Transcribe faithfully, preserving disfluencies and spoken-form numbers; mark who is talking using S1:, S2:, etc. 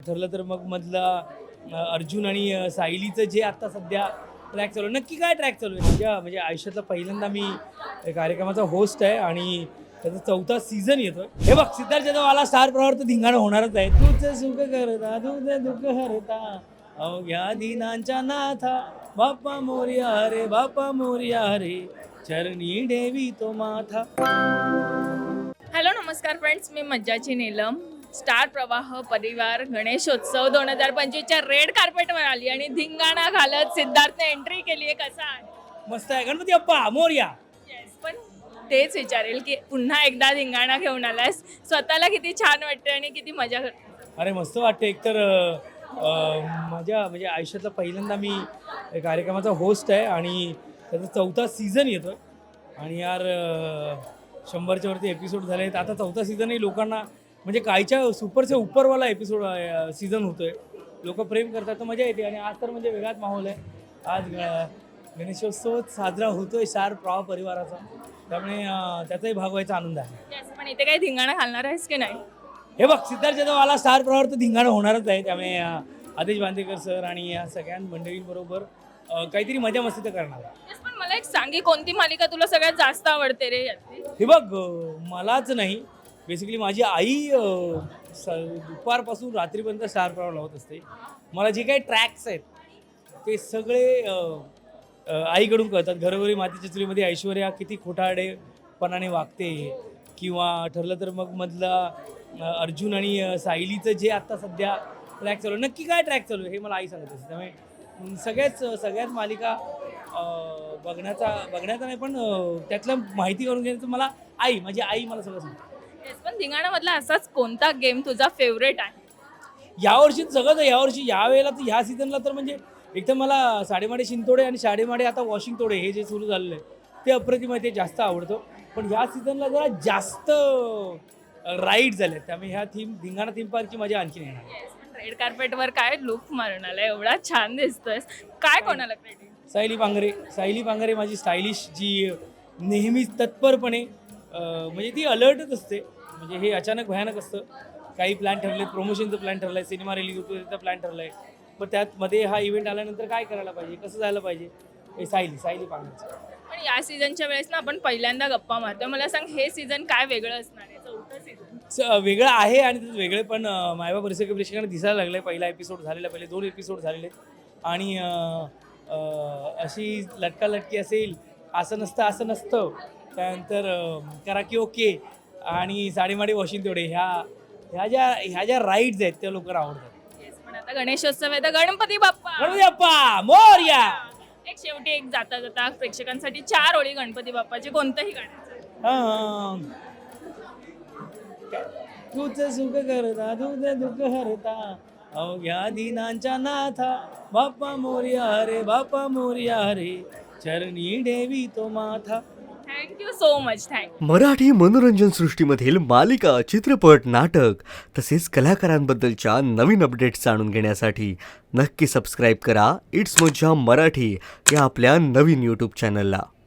S1: ठरलं तर मग मधला अ, अर्जुन आणि अ, सायलीचं जे आता सध्या ट्रॅक चालू आहे, नक्की काय ट्रॅक चालू आहे? माझ्या म्हणजे आयुष्यातला पहिल्यांदा मी या कार्यक्रमाचा होस्ट आहे आणि त्याचा चौथा सीझन येतोय. हे बघ, सिद्धार्थ जाधववाला स्टार प्रवाह तर धिंगाणं होणारच आहे. तुझं सुख करता तुझं दुःख हरता अवघ्या दिनांच्या नाथा बाप्पा मोरया रे बाप्पा मोरया रे चरणी देवी तो माथा.
S2: हॅलो नमस्कार फ्रेंड्स, मी मज्जाची नीलम. स्टार प्रवाह परिवार गणेशोत्सव दोन हजार पंचवीसच्या रेड कार्पेटवर आली आणि धिंगाणा घालत सिद्धार्थने एंट्री केली आहे. कसा आहे?
S1: मस्त आहे. गणपती बाप्पा मोरया.
S2: येस, पण तेच विचारेल की पुन्हा एकदा धिंगाणा घेऊन आलायस, स्वतःला किती छान वाटते आणि किती मजा करते?
S1: अरे मस्त वाटते. एकतर अ, माझ्या म्हणजे आयुष्यातला पहिल्यांदा मी या कार्यक्रमाचा होस्ट आहे आणि त्याचा चौथा सीझन येतोय आणि यार अ, शंभरच्या वरती एपिसोड झाले आहेत. आता चौथा सीझनही लोकांना म्हणजे कायच्या सुपरचे उपरवाला एपिसोड सीझन होतोय. लोक प्रेम करतात तर मजा येते आणि आज तर म्हणजे वेगळाच माहोल आहे. आज ग- गणेशोत्सव साजरा होतोय स्टार प्रवाह परिवाराचा, त्यामुळे अ, त्याचाही भाग व्हायचा आनंद आहे.
S2: येस, पण इथे काही धिंगाणा घालणार आहेस की नाही?
S1: हे बघ, सिद्धार्थ जाधववाला स्टार प्रवाह तर धिंगाणं होणारच आहे. त्यामुळे अ, आदेश बांदेकर सर आणि या सगळ्या मंडळींबरोबर अ, काहीतरी मजा मस्ती तर करणार आहे.
S2: येस, पण मला एक सांगी, कोणती मालिका तुला सगळ्यात जास्त आवडते रे यातली?
S1: हे बघ, अ, मलाच नाही, बेसिकली माझी आई अ, स दुपारपासून रात्रीपर्यंत स्टार प्रवाह लावत असते. मला जे काही ट्रॅक्स आहेत ते सगळे अ, अ, आईकडून कळतात. घरोघरी मातीच्या चुलीमध्ये ऐश्वर्या किती खोटारडेपणाने वागते, किंवा ठरलं तर मग मधला अ, अर्जुन आणि अ, सायलीचं जे आता सध्या ट्रॅक चालू आहे, नक्की काय ट्रॅक चालू आहे हे मला आई सांगत असते. त्यामुळे अं, सगळ्याच सगळ्याच मालिका अ, बघण्याचा बघण्याचा नाही पण अ, त्यातलं माहिती करून घेण्याचं मला आई माझी आई मला सगळं सांगते.
S2: येस, पण धिंगाणामधला असाच कोणता गेम तुझा फेवरेट आहे?
S1: यावर्षी सगळंच आहे. यावर्षी यावेळेला तर ह्या सीझनला तर म्हणजे एक तर मला साडेमाडे शिंतोडे आणि साडेमाडे आता वॉशिंग तोडे हे जे सुरू झालेलं आहे ते अप्रतिम आहे, ते जास्त आवडतं. पण ह्या सीझनला जरा जास्त राईड झाले, त्यामुळे ह्या थीम धिंगाणा थीम पार्कची मजा आणखी येणार.
S2: येस, पण रेड कार्पेटवर काय लुक मारून आलाय, एवढा छान दिसतोयस. काय कोणाला क्रेडिट?
S1: सायली पांघरे सायली पांघरे माझी स्टायलिश, जी नेहमीच तत्परपणे अ, म्हणजे ती अलर्टच असते. म्हणजे हे अचानक भयानक असतं. काही प्लॅन ठरले, प्रमोशनचं प्लॅन ठरलं आहे, सिनेमा रिलीज होतो त्याचा प्लॅन ठरला आहे, पण त्यातमध्ये हा इव्हेंट आल्यानंतर काय करायला पाहिजे, कसं जायला पाहिजे, हे सायली सायली पांघरेचं.
S2: पण या सीझनच्या वेळेस ना आपण पहिल्यांदा गप्पा मारतो. मला सांग, हे सीझन काय वेगळं असणार आहे? चौथं सीझन
S1: स- वेगळं आहे आणि त्याचं वेगळे पण अं, मायबा परिसर प्रेक्षकांना दिसायला लागलं आहे. पहिला एपिसोड झालेला, पहिले दोन एपिसोड झालेले आहेत आणि अं, अं, अशी लटकालटकी असेल, असं नसतं असं नसतं, त्यानंतर अं, करा की ओके आणि साडेमाडे वॉशिंग तेवढे, ह्या ह्या ज्या ह्या ज्या राईड्स आहेत त्या लोकांना आवडतात.
S2: येस, पण आता गणेशोत्सव आहे तर गणपती बाप्पा.
S1: गणपती बाप्पा मोरया.
S2: एक शेवटी एक जाता जाता प्रेक्षकांसाठी चार ओळी गणपती बाप्पाची कोणतंही गाण्याचं.
S1: अं, तुझं सुख करता तुझं दुःख हरता अवघ्या दिनांच्या नाथा बाप्पा मोरया रे बाप्पा मोरया रे चरणी देवी तो माथा.
S2: Thank you so much. Thank
S3: Marathi मनोरंजन सृष्टीमधील मालिका, चित्रपट, नाटक तसेच कलाकारांबद्दलच्या नवीन अपडेट्स जाणून घेण्यासाठी नक्की सबस्क्राईब करा इट्स मज्जा मराठी या आपल्या नवीन यूट्यूब चॅनलला.